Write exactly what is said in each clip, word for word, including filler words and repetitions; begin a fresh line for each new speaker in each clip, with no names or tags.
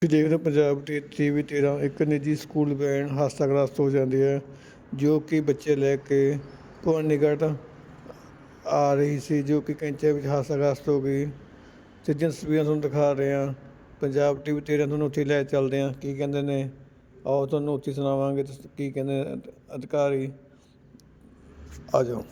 ਤੁਸੀਂ ਦੇਖਦੇ ਹੋ ਪੰਜਾਬ ਤੇ ਟੀਵੀ ਤੇਰਾਂ ਇੱਕ ਨਿੱਜੀ ਸਕੂਲ ਵੈਨ ਹਾਦਸਾਗ੍ਰਸਤ ਹੋ ਜਾਂਦੀ ਹੈ ਜੋ ਕਿ ਬੱਚੇ ਲੈ ਕੇ ਭਵਾਨੀਗੜ੍ਹ ਆ ਰਹੀ ਸੀ, ਜੋ ਕਿ ਕੈਂਚੇ ਵਿੱਚ ਹਾਦਸਾਗ੍ਰਸਤ ਹੋ ਗਈ। ਤੇ ਜਿਸ ਤਸਵੀਰਾਂ ਤੁਹਾਨੂੰ ਦਿਖਾ ਰਹੇ ਹਾਂ ਪੰਜਾਬ ਟੀਵੀ ਤੇਰਾਂ, ਤੁਹਾਨੂੰ ਉੱਥੇ ਲੈ ਚੱਲਦੇ ਹਾਂ। ਕੀ ਕਹਿੰਦੇ ਨੇ ਆਓ ਤੁਹਾਨੂੰ ਉੱਥੇ ਸੁਣਾਵਾਂਗੇ ਤੇ ਕੀ ਕਹਿੰਦੇ ਨੇ ਅਧਿਕਾਰੀ। ਆ ਜਾਓ।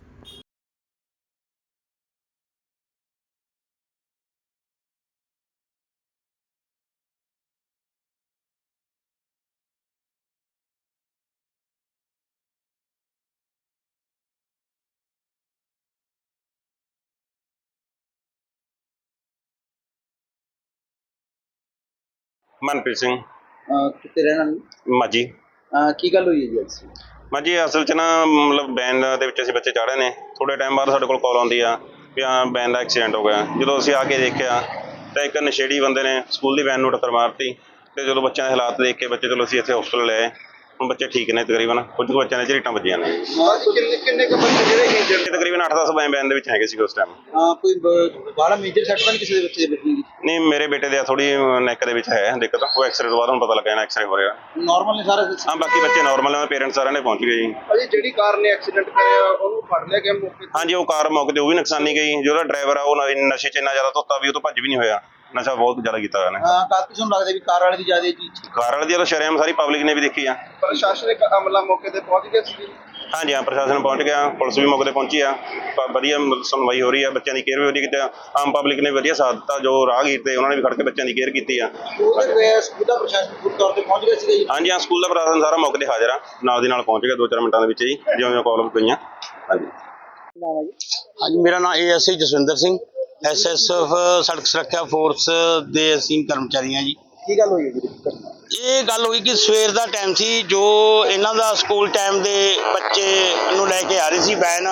ਮਨਪ੍ਰੀਤ ਸਿੰਘ
ਅਹ ਕਿੱਥੇ ਰਹਿਣ ਵਾਲੇ?
ਮਾਝੀ।
ਅਹ ਕੀ ਗੱਲ ਹੋਈ ਹੈ ਜੀ ਅੱਜ?
ਮਾਝੀ ਅਸਲ 'ਚ ਨਾ ਮਤਲਬ ਵੈਨ ਦੇ ਵਿੱਚ ਅਸੀਂ ਬੱਚੇ ਚਾੜੇ ਨੇ। ਥੋੜ੍ਹੇ ਟਾਈਮ ਬਾਅਦ ਸਾਡੇ ਕੋਲ ਕਾਲ ਆਉਂਦੀ ਆ ਵੀ ਹਾਂ ਵੈਨ ਦਾ ਐਕਸੀਡੈਂਟ ਹੋ ਗਿਆ। ਜਦੋਂ ਅਸੀਂ ਆ ਕੇ ਦੇਖਿਆ ਤਾਂ ਇੱਕ ਨਸ਼ੇੜੀ ਬੰਦੇ ਨੇ ਸਕੂਲ ਦੀ ਵੈਨ ਨੂੰ ਟੱਕਰ ਮਾਰਤੀ। ਅਤੇ ਜਦੋਂ ਬੱਚਿਆਂ ਦੇ ਹਾਲਾਤ ਦੇਖ ਕੇ ਬੱਚੇ ਚਲੋ ਅਸੀਂ ਇੱਥੇ ਹੋਸਪਿਟਲ ਲੈ ਆਏ। ਹੁਣ ਬੱਚੇ ਠੀਕ ਨੇ ਤਕਰੀਬਨ, ਕੁਝ ਕੁ ਬੱਚਿਆਂ ਦੇ ਝਰੀਟਾਂ ਵੱਜੀਆਂ ਨੇ।
ਕਿੰਨੇ ਕਿੰਨੇ ਕੁ ਬੱਚੇ ਜਿਹੜੇ ਇੰਜਰਡ?
ਤਕਰੀਬਨ ਅੱਠ ਦਸ ਵੈਨ ਦੇ ਵਿੱਚ ਹੈਗੇ ਸੀ ਉਸ ਟਾਈਮ।
ਹਾਂ, ਕੋਈ ਬਾਹਲਾ ਮੇਜਰ ਸੱਟ ਤਾਂ ਨਹੀਂ ਕਿਸੇ ਦੇ ਬੱਚੇ ਦੇ ਬੱਚੇ?
ਨਹੀਂ, ਮੇਰੇ ਬੇਟੇ ਦੇ ਥੋੜ੍ਹੀ ਨੈਕ ਦੇ ਵਿੱਚ ਹੈ ਦਿੱਕਤ। ਉਹ ਐਕਸਰੇ ਤੋਂ ਬਾਅਦ ਹੁਣ ਪਤਾ ਲੱਗਾ ਨਾ ਐਕਸਰੇ ਹੋ ਰਿਹਾ।
ਨਾਰਮਲ ਨੇ ਸਾਰੇ?
ਹਾਂ, ਬਾਕੀ ਬੱਚੇ ਨਾਰਮਲ ਨੇ, ਪੇਰੈਂਟਸ ਸਾਰਿਆਂ ਨੇ ਪਹੁੰਚ ਗਏ ਜੀ।
ਅਜੇ ਜਿਹੜੀ ਕਾਰ ਨੇ ਐਕਸੀਡੈਂਟ ਕਰਿਆ ਉਹਨੂੰ ਫੜ ਲਿਆ ਗਿਆ ਮੌਕੇ ਤੇ?
ਹਾਂਜੀ, ਉਹ ਕਾਰ ਮੌਕੇ ਤੇ ਉਹ ਵੀ ਨੁਕਸਾਨੀ ਗਈ। ਜਿਹੜਾ ਡਰਾਈਵਰ ਆ ਉਹ ਨ- ਨਸ਼ੇ 'ਚ ਇੰਨਾ ਜ਼ਿਆਦਾ ਧੁੱਤਾ ਵੀ ਉਹ ਤੋਂ ਭੱਜ ਵੀ ਨਹੀਂ ਹੋਇਆ। ਨਸ਼ਾ ਬਹੁਤ ਜ਼ਿਆਦਾ ਕੀਤਾ ਹੋਇਆ ਨੇ।
ਹਾਂ, ਕਾਫੀ ਤੁਹਾਨੂੰ ਲੱਗਦਾ ਵੀ ਕਾਰ ਵਾਲੇ ਦੀ ਜ਼ਿਆਦਾ ਜੀ?
ਕਾਰ ਵਾਲੇ ਦੀ ਤਾਂ ਸ਼ਰੇਆਮ ਸਾਰੀ ਪਬਲਿਕ ਨੇ ਵੀ ਦੇਖੀ ਆ।
ਪ੍ਰਸ਼ਾਸਨਿਕ ਅਮਲਾ ਮੌਕੇ ਤੇ ਪਹੁੰਚ ਗਿਆ ਸੀ?
ਹਾਂਜੀ ਹਾਂ, ਪ੍ਰਸ਼ਾਸਨ ਪਹੁੰਚ ਗਿਆ, ਪੁਲਿਸ ਵੀ ਮੌਕੇ ਤੇ ਪਹੁੰਚੀ ਆ। ਪ- ਵਧੀਆ ਸੁਣਵਾਈ ਹੋ ਰਹੀ ਆ, ਬੱਚਿਆਂ ਦੀ ਕੇਅਰ ਵੀ ਵਧੀਆ ਕੀਤੀ ਆ। ਆਮ ਪਬਲਿਕ ਨੇ ਵਧੀਆ ਸਾਥ ਦਿੱਤਾ, ਜੋ ਰਾਹਗੀਰ ਤੇ ਉਹਨਾਂ ਨੇ ਵੀ ਖੜ ਕੇ ਬੱਚਿਆਂ ਦੀ ਕੇਅਰ ਕੀਤੀ ਆ।
ਉਹਦੇ ਸਕੂਲ ਦਾ ਪ੍ਰਸ਼ਾਸਨ ਪੂਰੀ ਤੌਰ ਤੇ ਪਹੁੰਚ ਗਿਆ ਸੀਗਾ ਜੀ?
ਹਾਂਜੀ ਹਾਂ, ਸਕੂਲ ਦਾ ਪ੍ਰਸ਼ਾਸਨ ਸਾਰਾ ਮੌਕੇ ਤੇ ਹਾਜ਼ਰ ਆ, ਨਾਲ ਦੀ ਨਾਲ ਪਹੁੰਚ ਗਿਆ ਦੋ ਚਾਰ ਮਿੰਟਾਂ ਦੇ ਵਿੱਚ ਜੀ, ਜਿਉਂ ਜਿਉਂ ਕਾਲ ਗਈਆਂ। ਹਾਂਜੀ
ਨਾਮ ਹੈ ਜੀ?
ਹਾਂਜੀ, ਮੇਰਾ ਨਾਮ A S I Jaswinder Singh, S S F ਸੜਕ ਸੁਰੱਖਿਆ ਫੋਰਸ ਦੇ ਅਸੀਂ ਕਰਮਚਾਰੀ ਹਾਂ ਜੀ।
ਕੀ ਗੱਲ ਹੋਈ ਹੈ ਜੀ?
ਇਹ ਗੱਲ ਹੋਈ ਕਿ ਸਵੇਰ ਦਾ ਟਾਈਮ ਸੀ, ਜੋ ਇਹਨਾਂ ਦਾ ਸਕੂਲ ਟਾਈਮ ਦੇ ਬੱਚੇ ਨੂੰ ਲੈ ਕੇ ਆ ਰਹੀ ਸੀ ਵੈਨ,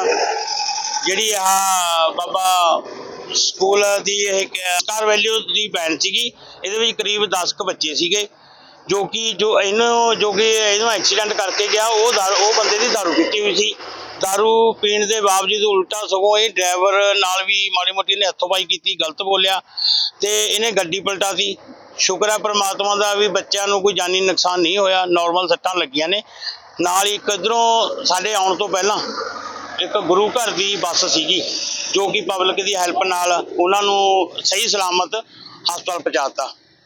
ਜਿਹੜੀ ਆ ਬਾਬਾ ਸਕੂਲ ਦੀ ਇਹ ਸਟਾਰ ਵੈਲਿਊ ਦੀ ਵੈਨ ਸੀਗੀ। ਇਹਦੇ ਵਿੱਚ ਕਰੀਬ ਦਸ ਕੁ ਬੱਚੇ ਸੀਗੇ, ਜੋ ਕਿ ਜੋ ਇਹਨੂੰ ਜੋ ਕਿ ਇਹਨੂੰ ਐਕਸੀਡੈਂਟ ਕਰਕੇ ਗਿਆ ਉਹ ਦਾਰੂ ਉਹ ਬੰਦੇ ਦੀ ਦਾਰੂ ਪੀਤੀ ਹੋਈ ਸੀ। ਦਾਰੂ ਪੀਣ ਦੇ ਬਾਵਜੂਦ ਉਲਟਾ ਸਗੋਂ ਇਹ ਡਰਾਈਵਰ ਨਾਲ ਵੀ ਮਾੜੀ ਮੋਟੀ ਨੇ ਹੱਥੋਂਬਾਈ ਕੀਤੀ, ਗਲਤ ਬੋਲਿਆ ਤੇ ਇਹਨੇ ਗੱਡੀ ਪਲਟਾਤੀ। ਸ਼ੁਕਰ ਹੈ ਪ੍ਰਮਾਤਮਾ ਦਾ ਵੀ ਬੱਚਿਆਂ ਨੂੰ ਕੋਈ ਜਾਨੀ ਨੁਕਸਾਨ ਨਹੀਂ ਹੋਇਆ, ਨਾਰਮਲ ਸੱਟਾਂ ਲੱਗੀਆਂ ਨੇ। ਨਾਲ ਹੀ ਇੱਕ ਇੱਧਰੋਂ ਸਾਡੇ ਆਉਣ ਤੋਂ ਪਹਿਲਾਂ ਇੱਕ ਗੁਰੂ ਘਰ ਦੀ ਬੱਸ ਸੀਗੀ, ਜੋ ਕਿ ਪਬਲਿਕ ਦੀ ਹੈਲਪ ਨਾਲ ਉਹਨਾਂ ਨੂੰ ਸਹੀ ਸਲਾਮਤ ਹਸਪਤਾਲ ਪਹੁੰਚਾਤਾ।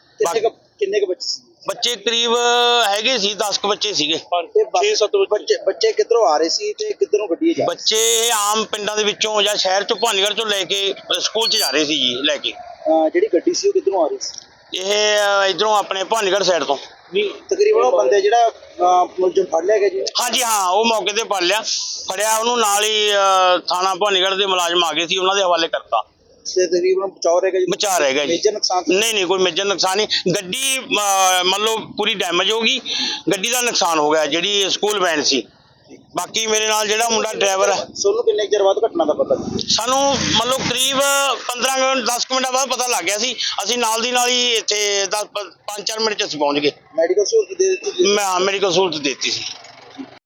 ਕਿੰਨੇ ਕੁ ਬੱਚੇ ਸੀ?
ਬੱਚੇ ਕਰੀਬ ਹੈਗੇ ਸੀ ਦਸ ਕੁ ਬੱਚੇ ਸੀਗੇ।
ਛੇ ਸੱਤ ਬੱਚੇ? ਬੱਚੇ ਕਿੱਧਰੋਂ ਆ ਰਹੇ ਸੀ ਤੇ ਕਿੱਧਰੋਂ ਗੱਡੀ ਜਾ?
ਬੱਚੇ ਆਮ ਪਿੰਡਾਂ ਦੇ ਵਿੱਚੋਂ ਜਾਂ ਸ਼ਹਿਰ ਚੋਂ ਭਵਾਨੀਗੜ੍ਹ ਚੋਂ ਲੈ ਕੇ ਸਕੂਲ 'ਚ ਜਾ ਰਹੇ ਸੀ ਜੀ ਲੈ ਕੇ।
ਜਿਹੜੀ ਗੱਡੀ ਸੀ ਉਹ ਕਿੱਧਰੋਂ ਆ ਰਹੀ ਸੀ?
ਇਹ ਇਧਰੋਂ ਆਪਣੇ ਭਵਾਨੀਗੜ੍ਹ ਸਾਈਡ ਤੋਂ।
ਤਕਰੀਬਨ ਉਹ ਬੰਦੇ ਜਿਹੜਾ ਮੁਲਜ਼ਮ ਫੜ ਲਿਆ ਗਿਆ ਜੀ?
ਹਾਂਜੀ ਹਾਂ, ਉਹ ਮੌਕੇ ਤੇ ਫੜ ਲਿਆ ਫੜਿਆ ਉਹਨੂੰ, ਨਾਲ ਹੀ ਥਾਣਾ ਭਵਾਨੀਗੜ੍ਹ ਦੇ ਮੁਲਾਜ਼ਮ ਆ ਗਏ ਸੀ, ਉਹਨਾਂ ਦੇ ਹਵਾਲੇ ਕਰਤਾ।
ਤੇ ਤਕਰੀਬਨ ਬਚਾਅ ਰਹਿ ਗਿਆ ਜੀ?
ਬਚਾ ਰਹਿ ਗਿਆ ਜੀ।
ਮੇਜਰ ਨੁਕਸਾਨ?
ਨਹੀਂ ਨਹੀਂ, ਕੋਈ ਮੇਜਰ ਨੁਕਸਾਨ ਨਹੀਂ। ਗੱਡੀ ਮੰਨ ਲਓ ਪੂਰੀ ਡੈਮੇਜ ਹੋ ਗਈ, ਗੱਡੀ ਦਾ ਨੁਕਸਾਨ ਹੋ ਗਿਆ ਜਿਹੜੀ ਸਕੂਲ ਵੈਨ ਸੀ। ਬਾਕੀ ਮੇਰੇ ਨਾਲ ਜਿਹੜਾ ਮੁੰਡਾ ਡਰਾਈਵਰ ਹੈ।
ਸੋਨੂੰ ਕਿੰਨੇ ਚਿਰ ਬਾਅਦ ਘਟਨਾ ਦਾ ਪਤਾ?
ਸਾਨੂੰ ਮੰਨ ਲਓ ਕਰੀਬ ਪੰਦਰਾਂ ਕੁ ਦਸ ਕੁ ਮਿੰਟਾਂ ਬਾਅਦ ਪਤਾ ਲੱਗ ਗਿਆ ਸੀ। ਅਸੀਂ ਨਾਲ ਦੀ ਨਾਲ ਹੀ ਇੱਥੇ ਦਸ ਪੰਜ ਚਾਰ ਮਿੰਟ 'ਚ ਅਸੀਂ ਪਹੁੰਚ ਗਏ।
ਮੈਡੀਕਲ ਸਹੂਲਤ ਦੇ ਦਿੱਤੀ?
ਮੈਂ ਮੈਡੀਕਲ ਸਹੂਲਤ ਦੇ ਦਿੱਤੀ ਸੀ।